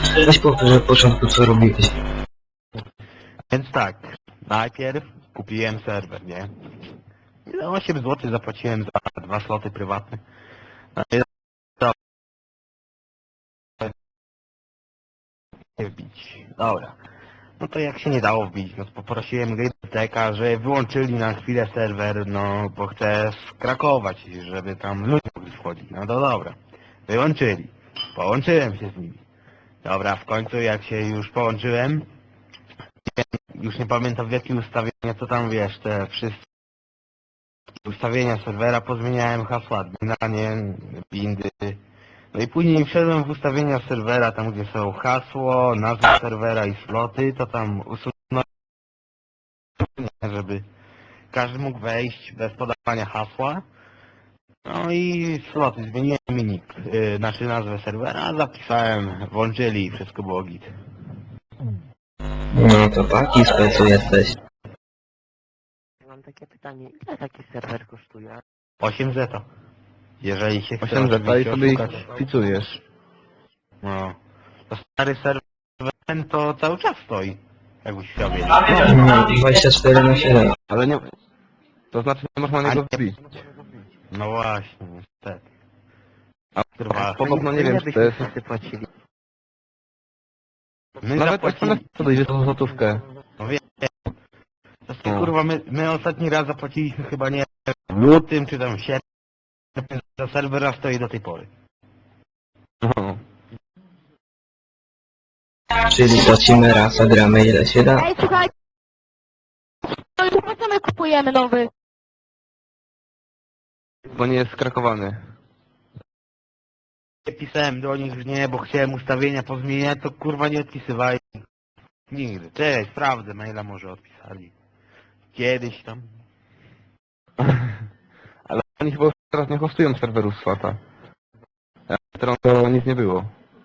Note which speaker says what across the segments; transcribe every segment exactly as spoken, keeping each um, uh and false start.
Speaker 1: Weź powtórz od początku, co robiłeś.
Speaker 2: Więc tak, najpierw kupiłem serwer, nie? I za osiem złotych zapłaciłem za dwa sloty prywatne. No i to nie wbić. Dobra. No to jak się nie dało wbić, no to poprosiłem Gameteka, że wyłączyli na chwilę serwer, no bo chcę skrakować, żeby tam ludzie mogli wchodzić. No to dobra. Wyłączyli. Połączyłem się z nimi. Dobra, w końcu jak się już połączyłem, już nie pamiętam w jakie ustawienia, to tam wiesz, te wszystkie ustawienia serwera, pozmieniałem hasła admina, nie, bindy. No i później wszedłem w ustawienia serwera, tam gdzie są hasło, nazwa serwera i sloty, to tam usunąłem, żeby każdy mógł wejść bez podawania hasła. No i sloty, zmieniłem minik, yy, znaczy nazwę serwera, zapisałem, włączyli i wszystko było git.
Speaker 1: No to taki specu jesteś.
Speaker 3: Mam takie pytanie, ile taki serwer kosztuje?
Speaker 2: osiem zeta. Jeżeli się chce
Speaker 4: osiem zeta i
Speaker 2: oczywiście
Speaker 4: sobie ich
Speaker 2: oszukać.
Speaker 4: wpisujesz.
Speaker 2: No. To stary serwer ten to cały czas stoi. Jakbyś chciał wiedzieć.
Speaker 1: No, dwadzieścia cztery na siedem.
Speaker 4: Ale nie... To znaczy nie można na niego wbić.
Speaker 2: No właśnie, niestety.
Speaker 4: A
Speaker 2: Trwa.
Speaker 4: podobno nie wiem,
Speaker 3: Ile
Speaker 4: czy to
Speaker 3: byśmy
Speaker 4: jest...
Speaker 3: wszyscy płacili?
Speaker 2: My
Speaker 4: Nawet
Speaker 2: zapłacili...
Speaker 4: jak podejdziesz za złotówkę.
Speaker 2: No wiem. To jest,
Speaker 4: No.
Speaker 2: kurwa, my, my ostatni raz zapłaciliśmy chyba nie w lutym, czy tam w sierpniu. Za serwera stoi do tej pory.
Speaker 4: No.
Speaker 1: Czyli płacimy raz, a gramy ile się da.
Speaker 5: Ej, słuchaj, to już po co my kupujemy nowy?
Speaker 4: Bo nie jest skrakowany.
Speaker 2: Ja pisałem do nich, że nie, bo chciałem ustawienia pozmieniać, to kurwa nie odpisywali. Nigdy. Cześć, sprawdzę, maila może odpisali. Kiedyś tam.
Speaker 4: Ale oni chyba już teraz nie hostują serwerów Swata. A teraz to nic nie było.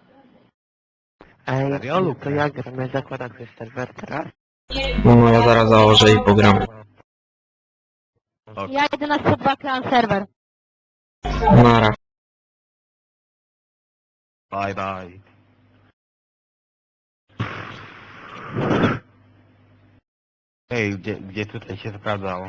Speaker 3: Ej,
Speaker 2: Serio, Luka?
Speaker 3: to jak gramy? Zakładam sobie serwer teraz?
Speaker 1: No ja zaraz założę i pogram.
Speaker 2: Ok.
Speaker 5: Ja idę na sto dwa klan serwer.
Speaker 1: Nara.
Speaker 2: Bye bye. Ej, gdzie, gdzie tutaj się sprawdzało?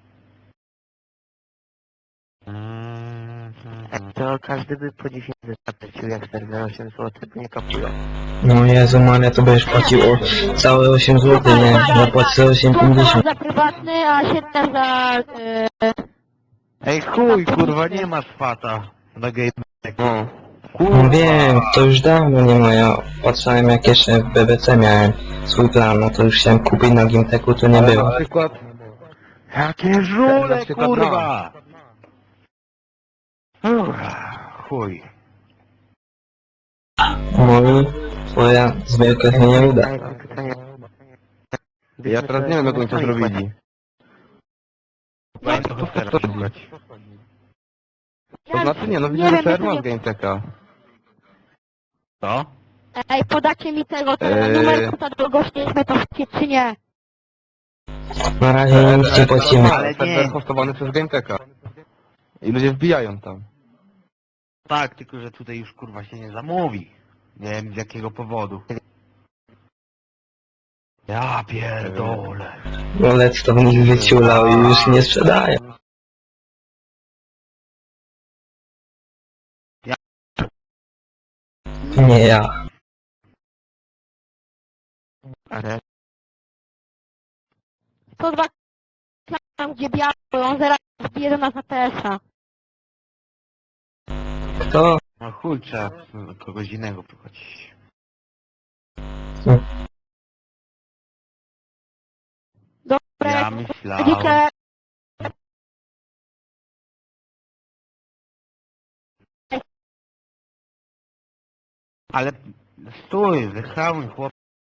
Speaker 3: Ej, to każdy by po dziesięć zapłacił jak serwer osiem złotych, bo nie kapują.
Speaker 1: No Jezu Maria, to będziesz płacił o całe osiem złotych, nie? Ja płacę osiem pięćdziesiąt.
Speaker 5: za prywatny, a siedem za... Yy,
Speaker 2: Ej, chuj, kurwa, nie ma swata na game.
Speaker 4: No.
Speaker 1: No wiem, to już dawno nie ma, ja patrzyłem jak jeszcze w B B C miałem swój plan, no to już chciałem kupić na Gimteku, to nie
Speaker 4: Ale
Speaker 1: było.
Speaker 4: na przykład...
Speaker 2: Jakie żule,
Speaker 4: Na przykład
Speaker 2: kurwa! Uff, chuj.
Speaker 1: No i twoja zbiórka się nie uda.
Speaker 3: Ej, mam pytanie.
Speaker 4: Ja teraz nie wiem jak oni to zrobili.
Speaker 2: Będę to teraz
Speaker 4: to-
Speaker 2: szukać.
Speaker 4: To znaczy nie, no
Speaker 5: Nie
Speaker 4: widzę,
Speaker 5: wiem,
Speaker 4: że serwer
Speaker 5: jak
Speaker 4: ma z
Speaker 5: to
Speaker 4: GameTeka.
Speaker 2: Co?
Speaker 5: Ej, podacie mi tego, ten
Speaker 4: Eee.
Speaker 5: numer konta do gościliśmy to czy nie?
Speaker 1: Na razie nic nie płacimy.
Speaker 2: Ale nie.
Speaker 4: Serwer hostowany przez GameTeka. I ludzie wbijają tam.
Speaker 2: Tak, tylko że tutaj już kurwa się nie zamówi. Nie wiem z jakiego powodu. Ja pierdolę.
Speaker 1: Rolec to w nich wyciulał i już nie sprzedaje. Nie ja.
Speaker 3: Ale
Speaker 5: sto dwa klan, gdzie biały, on zaraz wbije nas na P S a.
Speaker 1: Kto?
Speaker 2: No chuj, trzeba kogoś innego prowadzić.
Speaker 5: Dobra,
Speaker 2: Ja
Speaker 5: jak
Speaker 2: myślałem...
Speaker 5: widzicie,
Speaker 2: Ale stój, wychałuj chłop.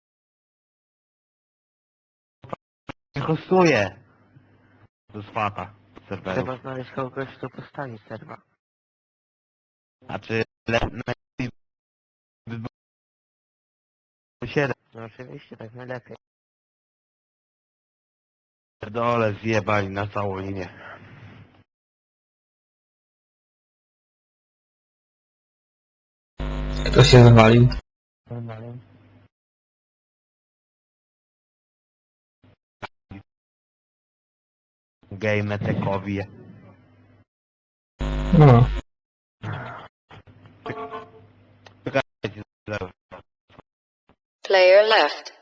Speaker 2: Nie hostuje. Do swata serwerów.
Speaker 3: trzeba znaleźć kogoś, kto postawi serwer.
Speaker 2: Znaczy, lepiej by było siedem.
Speaker 3: No oczywiście, tak najlepiej.
Speaker 2: Dole zjebali na całą linię.
Speaker 1: Kto się zwalił?
Speaker 3: Normalnie.
Speaker 2: Game tekowi.
Speaker 1: No.
Speaker 2: Czekajcie, zaraz.
Speaker 6: Player left.